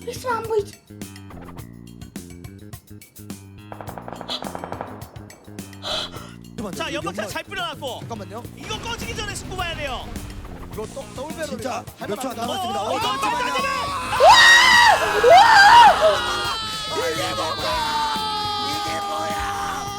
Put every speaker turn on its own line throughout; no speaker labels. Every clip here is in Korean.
있으면 안 보이지.
자, 연막탄 잘 뿌려놨고
잠깐만요.
이거 꺼지기 전에 승부 봐야 돼요.
이거 더블배럴
진짜 몇 초 안
할만합니다.
남았습니다.
이거
잠시만요.
이게 뭐야?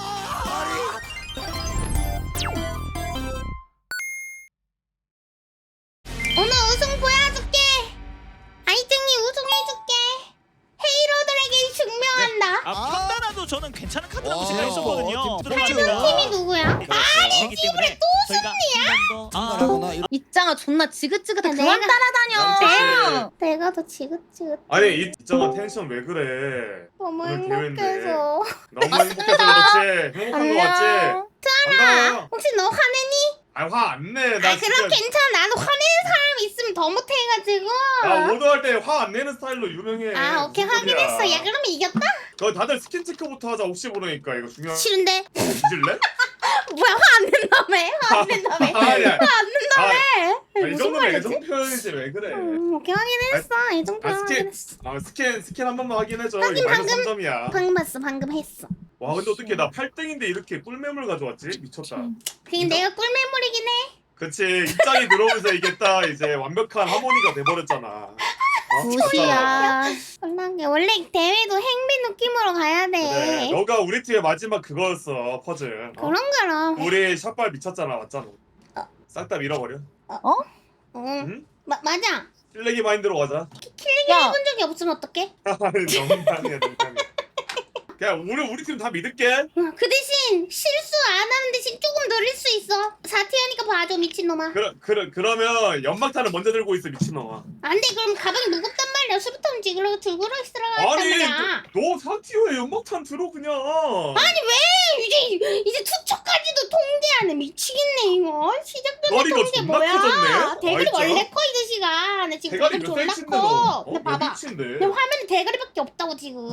오늘 우승 보여줄게. 아이증이 우승해줄게. 헤이로들에게 증명한다.
판단화도 저는 괜찮은 카드라고
와.
생각했었거든요.
팀이 누구야?
그렇기 때문에 저희가 한번더
잘하구나.
입장아 존나 지긋지긋해.
내가-
그만 따라다녀.
내가 더 지긋지긋.
아니 있잖아 텐션 왜 그래?
너무
오늘 대회인데.
행복해서.
너무 행복해서 그렇지. 행복한 거 맞지?
안녕.
반가워요.
혹시 너 화내니?
화 안 내. 나
아 그럼 괜찮아. 나도 화내는 사람 있으면 더 못해가지고.
나 오더할 때 화 안 내는 스타일로 유명해.
아 오케이
무슨 소리야.
확인했어. 야 그러면 이겼다?
너 다들 스킨 체크부터 하자. 혹시 모르니까 이거 중요한.
싫은데.
뒤질래?
뭐야 화 안 낸다며? 화 안 낸다며?
아니야.
화 안 낸다며?
이
무슨
정도면
말이지?
애정 표현이지 왜 그래?
오케이 확인했어. 이 정도
스킨
확인했어.
스킨 한 번만 확인해줘.
확인,
이거 마이너스
방금.
3점이야.
방금 봤어. 방금 했어.
와 근데 어떻게 나 8등인데 이렇게 꿀매물 가져왔지? 미쳤다.
그냥 내가 꿀매물이긴 해.
그치 입장이 들어오면서 이게 딱 이제 완벽한 하모니가 돼버렸잖아. 어?
무시야.
얼랑게 원래 대회도 행비 느낌으로 가야 돼.
그래 너가 우리 팀의 마지막 그거였어 퍼즐. 어?
그런 거라.
우리 샷발 미쳤잖아 맞잖아. 싹 다 밀어버려. 응?
맞아.
실내기 마인드로 가자.
킬링
야.
해본 적이 없으면 어떡해?
농담이야 농담이야. 그냥 우리 팀 다 믿을게.
그 대신 실수 안 하는 대신 조금 느릴 수 있어. 4티어니까 봐줘 미친놈아.
그러면 연막탄을 먼저 들고 있어 미친놈아.
안 돼 그럼 가방이 무겁단 말이야. 수부터 들고 들고 있으라고 했단 말이야.
너 사티오에 연막탄 들어 그냥.
아니 왜 이제 투척까지도 통제하네. 미치겠네 이거. 시작부터
머리가
통제
존나
뭐야?
커졌네.
대가리
아,
원래 커 이 자식아. 나 지금
대가리
대가리
몇
졸라
센치인데 너?
커.
어?
근데
몇
봐봐.
인치인데?
내 화면에 대가리밖에 없다고 지금.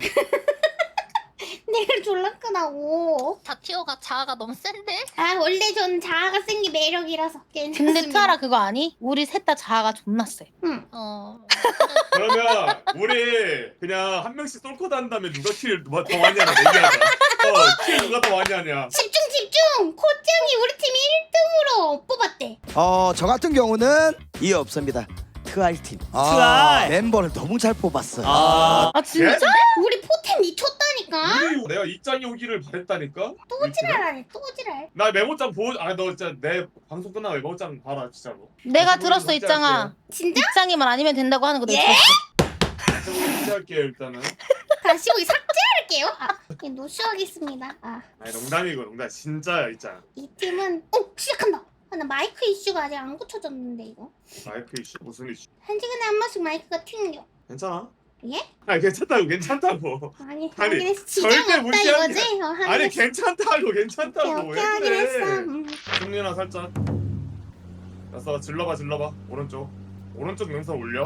대가리 졸라 크다고.
다티오가 자아가 너무 센데?
아 원래 전 자아가 센 게 매력이라서 괜찮습니다.
근데 트아라 그거 아니? 우리 셋 다 자아가 존나 세.
응.
그러면 우리 그냥 한 명씩 쏠코 단 다음에 누가 킬 더 많이 하냐 얘기하자. 킬 누가 더 많이 하냐.
집중 집중. 코짱이 우리 팀 1등으로 뽑았대.
저 같은 경우는 이해 없습니다. 트아이 팀.
트아이.
멤버를 너무 잘 뽑았어요.
아 진짜?
우리 포템 미쳤다니까.
내가 입장이 오기를 바랬다니까.
또 지랄하네 또 지랄.
나 메모장 너 진짜 내 방송 끝나고 메모장 봐라 진짜로.
내가 들었어 입장아.
진짜?
입장이만 아니면 된다고 하는 거 내가
예?
들었어.
시작할게요 일단은.
다시 보기 삭제할게요. 예, 노쇼하겠습니다.
아니 농담이고 농담 진짜야 입장.
이 팀은 시작한다. 나 마이크 이슈가 아직 안 고쳐졌는데 이거.
마이크 이슈 무슨 이슈?
한 시간에 한 번씩 마이크가 튕겨.
괜찮아?
예?
아니 괜찮다고.
아니
아니,
확인했어. 지장
절대
없다
무시하는
이거지?
아니
확인했어.
괜찮다고
오케이
괜찮다고
오케이 확인했어.
승리나 살짝. 됐어 질러봐 오른쪽 능선 올려.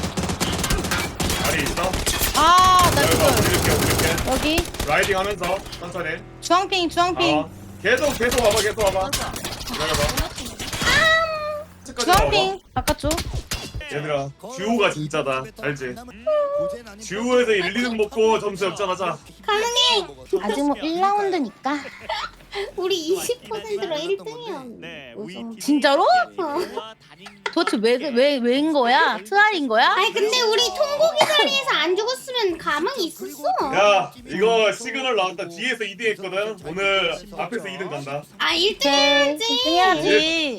다리 있어?
아나
여기가
지금
올릴게
여기
라이딩 하면서 천천히.
주황핑 주황핑
계속 와봐 기다려봐.
주황핑 바깥쪽.
얘들아 듀오가 진짜다 알지? 듀오에서 1, 2등 먹고 점수 역전하자.
가능해.
아직 뭐 1라운드니까.
우리 20%로 1등이었는데.
네,
진짜로? 도대체 왜인 거야? 트아인 거야?
아니 근데 우리 통곡이 자리에서 안 죽었으면 가망이 있었어.
야 이거 시그널 나왔다. 뒤에서 2등 했거든. 오늘 앞에서 2등 간다.
1등
네,
해야지.
해야지.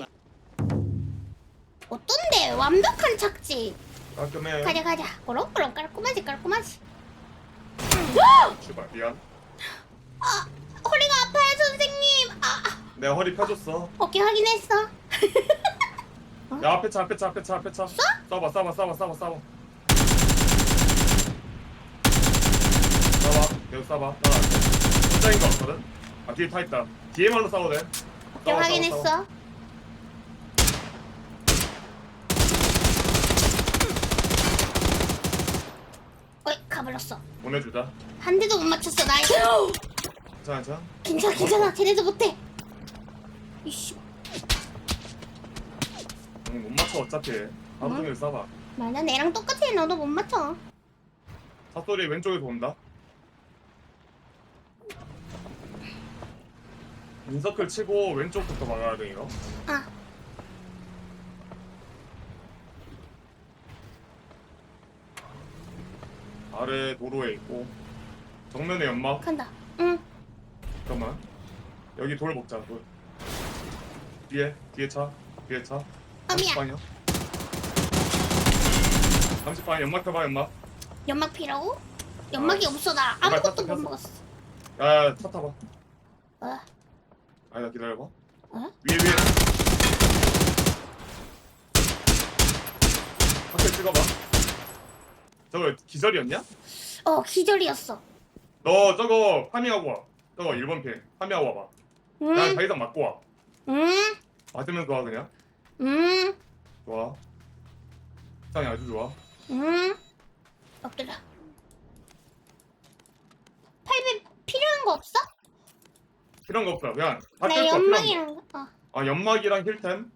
어떤데? 완벽한 착지.
깔끔해.
가자. 그럼 깔끔하지.
출발 미안.
허리가 아파요 선생님.
내가 허리 펴줬어.
오케이 확인했어.
야 앞에 차 쏴봐 계속 쏴봐. 혼자인 거 없거든. 뒤에 타 있다. 뒤에만로 싸워도 돼.
오케이 확인했어. 어이 가버렸어.
보내주자.
한 대도 못 맞췄어 나.
괜찮아.
괜찮아. 걔네도 못해. 이씨.
못 맞춰 어차피. 하루 종일 쏴봐.
맞아 내랑 똑같아. 너도 못 맞춰.
닷소리 왼쪽에서 온다. 인서클 치고 왼쪽부터 막아야 돼 이거.
아
아래 도로에 있고 정면에 연막.
간다. 응.
잠깐만. 여기 돌 먹자. 돌. 뒤에 차. 뒤에 차.
아 미안.
30방이야. 30방 연막 펴봐 연막.
연막 피라고? 연막이 없어 나 아무것도 못 먹었어.
야, 차 타봐.
어?
아니다 기다려봐.
어?
위에. 밖에 찍어봐. 저거 기절이었냐?
어 기절이었어.
너 저거 파밍하고 와. 저거 1번 핑 파밍하고 와봐. 나
응.
자기장 맞고 와.
응.
맞으면서 와 그냥.
응.
좋아. 상이 아주 좋아.
응. 엎드려. 800 필요한 거 없어?
필요한 거 없어. 그냥 다
나
뜰 거야. 필요한 거.
연막이랑 어.
아 연막이랑 힐템.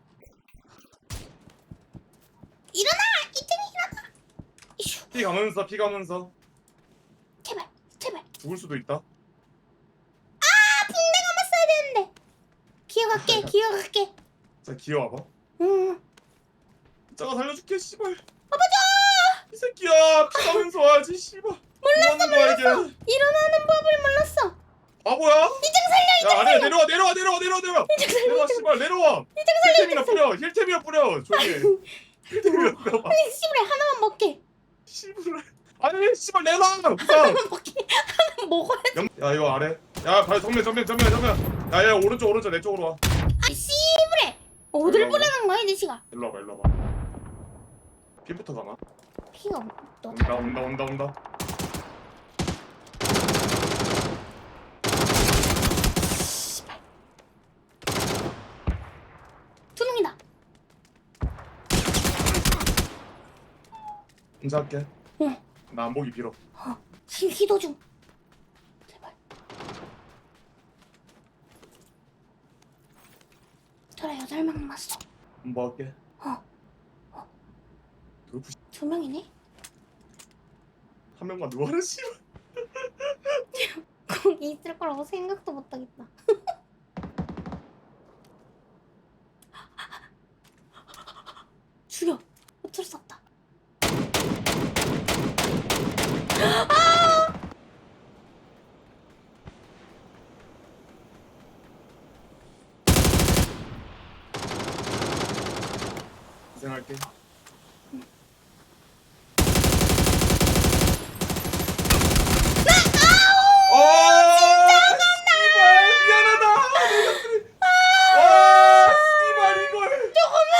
일어나! 이틀이 일어나! 이슈.
피 가면서
제발 제발.
죽을 수도 있다.
아 붕대 감았어야 되는데. 기어갈게 기어갈게.
자 기어와봐.
응.
자가 살려줄게 씨발. 아버지! 이 새끼야 피 가면서 와야지 씨발. 몰랐어.
일어나는 법을 몰랐어.
바보야?
이장 살려
야 아니야 내려와 씨발 내려와. 힐템이나 뿌려 조용히 해. 힐템이나 뿌려.
아니 씨발 하나만 먹게.
씨발 아니 씨발 내놔 우선.
하나만 먹게. 하나 먹어야지.
야 이거 아래. 야 발 정면. 야야 오른쪽 내 쪽으로 와.
아 씨발. 어딜
올라와.
보내는 거야 이 자식아.
일로 와봐. 피부터 가나?
피가 없어.
온다.
두 놈이다.
인사할게.
응.
나 안 보기 빌어.
지금 기도 중. 제발. 저라 8명 남았어.
뭐 할게.
어.
돌프
두 명이네.
한 명만 누워라 씨발.
거기 있을 거라고 생각도 못하겠다. 죽여. 어쩔 수 없다.
고생할게. 씨발 미안하다. 씨발 이걸.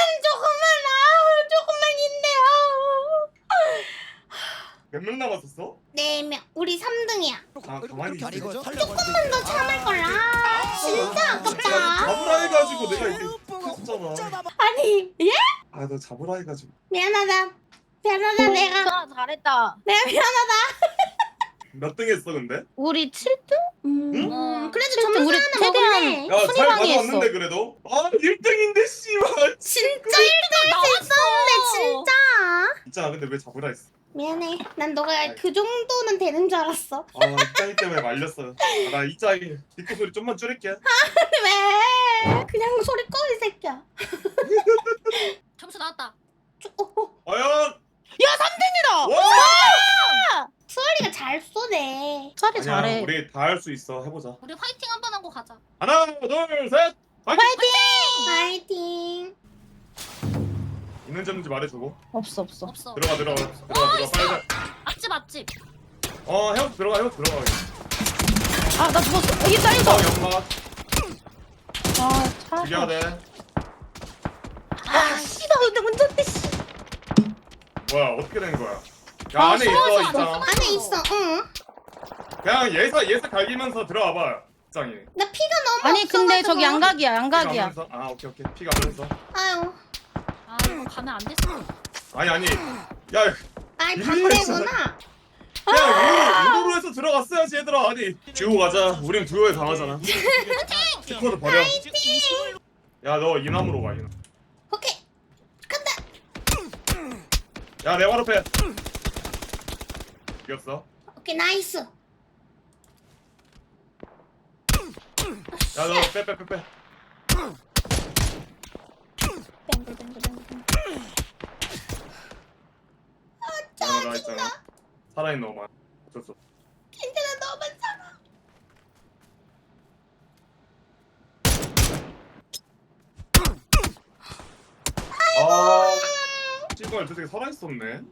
조금만.
몇 명 남았었어?
4명. 우리 3등이야.
아 가만히 있지.
조금만 더 참을 걸. 아 진짜 아깝다.
잡으라 해가지고 내가 이게 했잖아.
아니 예?
아 너 잡으라 해가지고.
미안하다. 내가
아, 잘했다.
미안하다.
몇 등 했어 근데?
우리 7등?
그래도
실제
점수
우리
하나
최대한
먹었네.
야잘
순위방이 했어.
가져왔는데 그래도? 아 1등인데 씨발.
진짜 1등 할 수 있었는데 진짜.
있잖아 근데 왜 잡으라 했어?
미안해. 난 너가 그 정도는 되는 줄 알았어.
아 이짱이 때문에 말렸어요. 아, 나 이짱이 뒷코 소리 좀만 줄일게.
왜? 그냥 소리 꺼 이 새끼야.
점수 나왔다.
과연
야 3등이다.
와!
수아리가 잘 쏘네.
차리
아니야
잘해.
우리 다 할 수 있어 해보자.
우리 화이팅 한번 하고 가자.
하나 둘셋 파이팅!
파이팅.
있는지 없는지 말해주고
없어.
들어가 빨리.
앞집.
형 들어가.
아 나 죽었어. 이게 딸린다.
연막
아 차.
죽여야 돼.
아 씨발 근데 운전대 씨.
뭐야 어떻게 된 거야? 야
아,
안에
숨어있어,
있잖아.
안에 있어. 응.
그냥 예사 갈기면서 들어와봐. 짱이.
나 피가 너무
아니 근데
없어가지고.
저기 양각이야.
아 오케이 피 가면서.
아유.
아 이거 가면 안 됐어.
아니 야
아이
이거
반대구나.
그냥 우도로 해서 들어갔어야지 얘들아. 아니 듀오 가자. 우린 듀오에 강하잖아. 스쿼드 버려. 야 너 이남으로 가 이남.
오케이. 간다.
야 내 바로 앞에. 죽였어.
오케이 나이스.
야 너 빼.
뱅글뱅글뱅글.
나 있잖아. 살아있는 엄마. 어쩔
괜찮아 너만 살아.
아, 씨발 저 새끼 살아있었네.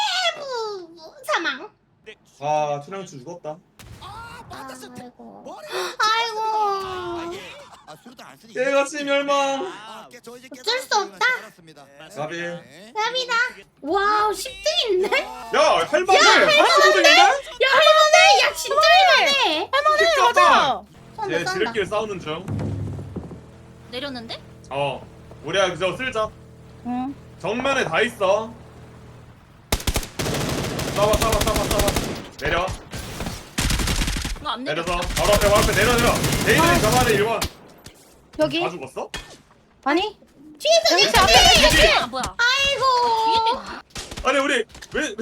사망.
아, 춘향추 죽었다.
아이고.
머리.
아이고.
아 수류탄 안 쓰니.
깨같이 멸망.
어쩔 수 없다.
가비.
감사합니다. 와우 10등인데?
야, 할만해. 40등인데?
야 할만해. 야 진짜 할만해.
맞아.
쏜다
얘
쏜다.
지름길 싸우는 중.
내렸는데?
우리야 그저 쓸자.
응.
정면에 다 있어. 싸봐. 내려.
안 내려.
내려서 바로 앞에 내려. 데이드는 저만에 1번.
여기?
다 죽었어?
아니?
뒤에서
여기
내
앞에
뒤에.
여기. 아 뭐야?
아이고.
아니 우리 왜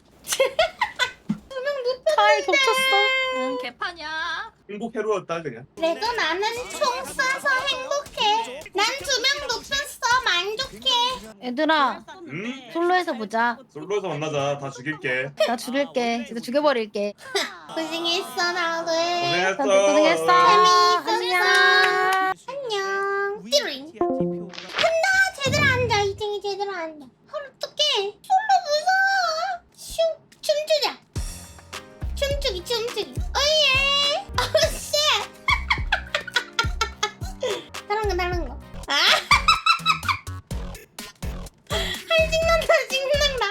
차에 겹쳤어. 응 개판이야.
행복 해로웠다 그냥.
그래도 나는 총 쏴서 행복해. 난 2명 높였어. 만족해.
얘들아
응?
솔로에서 보자.
솔로에서 만나자. 다 죽일게.
나 죽일게. 진짜 죽여버릴게.
고생했어 다들.
고생했어.
다들 고생했어.
재미있었어. 안녕. 띠로잉. 제대로 앉아. 2층이 제대로 앉아. 어떡해. 솔로 무서워. 슝. 춤추자. 춤추기. 어예. 어씨. 다른 거. 아. 신난다.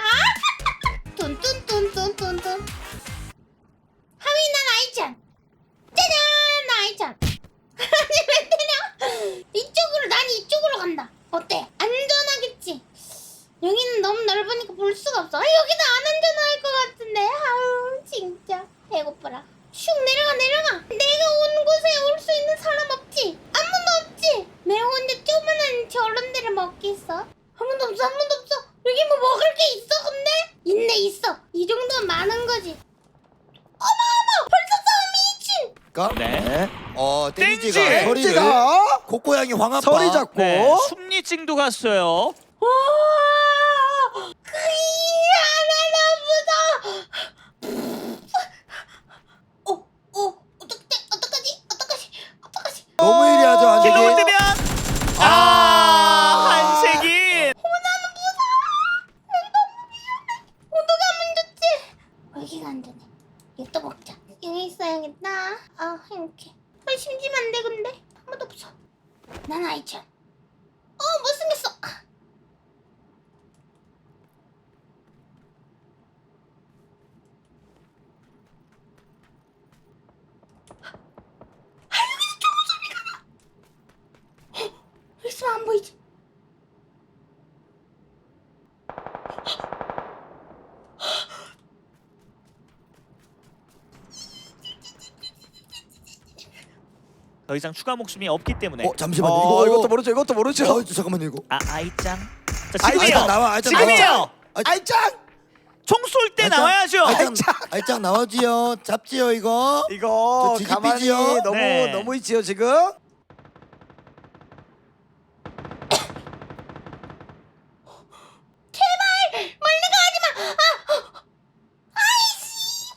뚠뚠뚠뚠뚠뚠. 하민아 나이찬. 짜잔 나이찬. 아니 왜 때려? 난 이쪽으로 간다. 어때? 안전하겠지? 여기는 너무 넓으니까 볼 수가 없어. 여기는 안 안전할 것 같은데. 아우 진짜 배고프라. 슉 내려가. 내가 온 곳에 올 수 있는 사람 없지? 아무도 없지? 내가 혼자 조그만한 저런 데를 먹겠어? 아무도 없어. 여기 뭐 먹을 게 있어 근데? 있어. 이 정도면 많은 거지. 어머 벌써 싸움이 미친.
네.
땡지가
땡지!
소리를
가
고고양이 황아빠
서리 잡고
네. 숨리찡도 갔어요.
와, 어떡하지?
너무 예리하죠
길로
안되게.
뜨면 한색이.
어떻게 하면 좋지? 여기가 안전해. 이거 또 먹자. 여기 있어야겠다. 아, 행복해. 심심한데 근데 아무도 없어. 난 아이천. 못생겼어. 있으면 안 보이지.
더 이상 추가 목숨이 없기 때문에.
잠시만요.
이것도 모르죠.
잠깐만 이거.
아이짱. 자
아이짱
지금이에요.
나와. 아이짱
지금이에요.
아이짱
총 쏠 때 나와야죠.
아이짱 나와지요. 잡지요 이거.
이거
저
가만히
지기삐지요?
네.
너무 있지요 지금.
멀리 가지 마. 아이씨.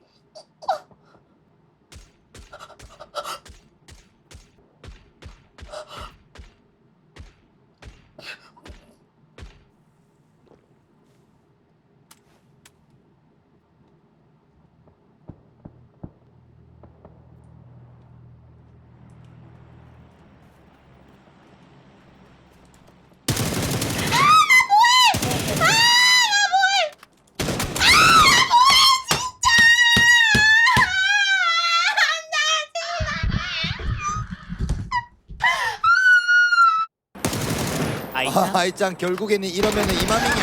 아이짱.
아이짱 결국에는 이러면은 이맘이냐.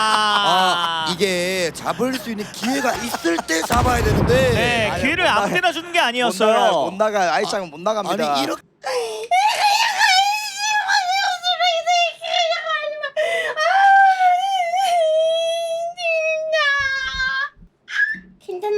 이게 잡을 수 있는 기회가 있을 때 잡아야 되는데.
네,
아니,
기회를
못
아무
나가-
때나 주는 게
못
아니었어요.
나가. 아이짱은 못 나갑니다.
아니 이렇게
괜찮아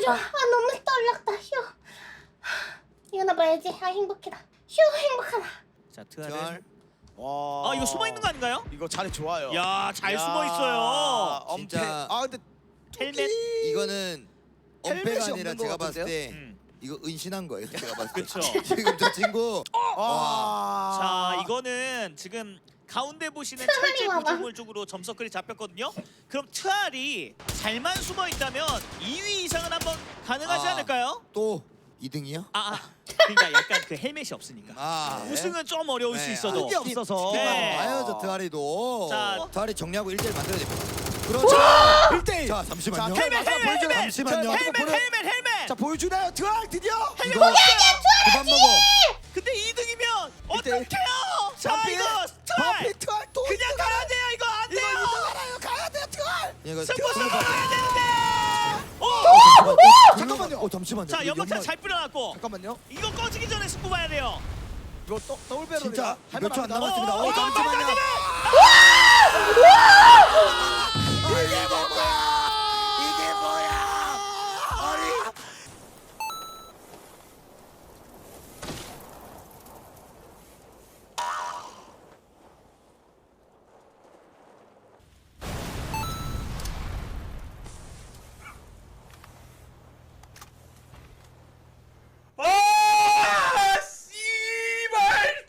좋아. 너무 떨렸다. 휴. 이거나 봐야지. 행복해다. 휴 행복하다.
자 트알은
와.
이거 숨어 있는 거 아닌가요?
이거 자리 좋아요.
야 잘 숨어 있어요.
엄폐.
진짜.
근데
헬멧.
이거는
헬멧이
엄폐가 아니라
없는 것
제가 봤을 때
음.
이거 은신한 거예요. 제가 봤을 때.
그쵸.
지금 저 친구
자 이거는 지금 가운데 보시는 철제
와봐.
구조물 쪽으로 점서클이 잡혔거든요. 그럼 트알이 잘만 숨어 있다면 2위 이상은 한번 가능하지
아.
않을까요?
또 2등이요?
그러니까 약간 그 헬멧이 없으니까
아.
우승은 좀 어려울 수 있어도
그게 없어서.
네.
봐요 저 드아리도.
자.
드아리 정리하고 1대1 만들어야 됩니다. 그렇죠.
1대1.
자 잠시만요.
자, 헬멧, 헬멧.
잠시만요.
헬멧.
자 보여주나요? 드알 드디어.
이거 그만 먹어.
근데 2등이면
일대일.
어떡해요? 자
바피.
이거 트알
바피 트알 또.
그냥 가야 돼요. 이거 안
이거
돼요.
이거 가야 돼요 트알.
이거
승부수 가야 되는데.
잠깐만요.
잠시만요.
자
이거
연막탄
연막-
잘 뿌려놨고
잠깐만요.
이거 꺼지기 전에 승부 봐야 돼요.
이거 더블
진짜
배럴이다.
몇 초 안
할만합니다.
남았습니다.
어,
잠시만요.
이게 뭐야? 이게 뭐야? 아니.
아 씨발.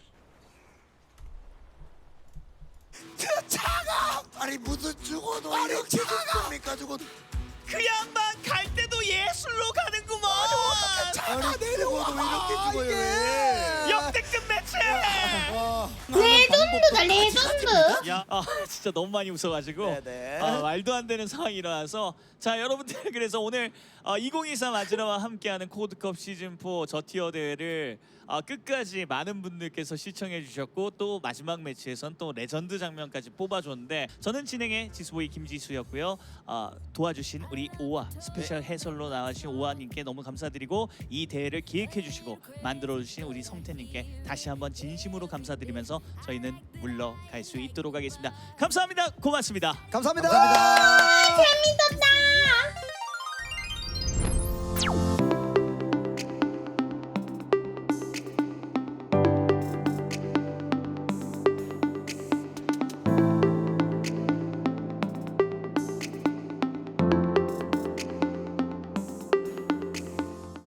아니 무슨 죽어도 이렇게 죽습니까 죽어도.
그 양반 갈 때도 예술로 가는구먼.
아니 죽어도 이렇게 죽어요 왜?
역대급 매치.
와.
레전드다 레전드.
야, 진짜 너무 많이 웃어가지고
네네.
말도 안 되는 상황이 일어나서 자 여러분들 그래서 오늘 2023 아즈라와 함께하는 코드컵 시즌4 저티어 대회를 끝까지 많은 분들께서 시청해 주셨고 또 마지막 매치에선 또 레전드 장면까지 뽑아줬는데 저는 진행의 지수보이 김지수였고요. 도와주신 우리 오아 스페셜 해설로 나와주신 오아님께 너무 감사드리고 이 대회를 기획해 주시고 만들어주신 우리 성태님께 다시 한번 진심으로 감사드리면서 저희는 물러갈 수 있도록 하겠습니다. 감사합니다. 고맙습니다.
감사합니다.
감사합니다.
재밌었다.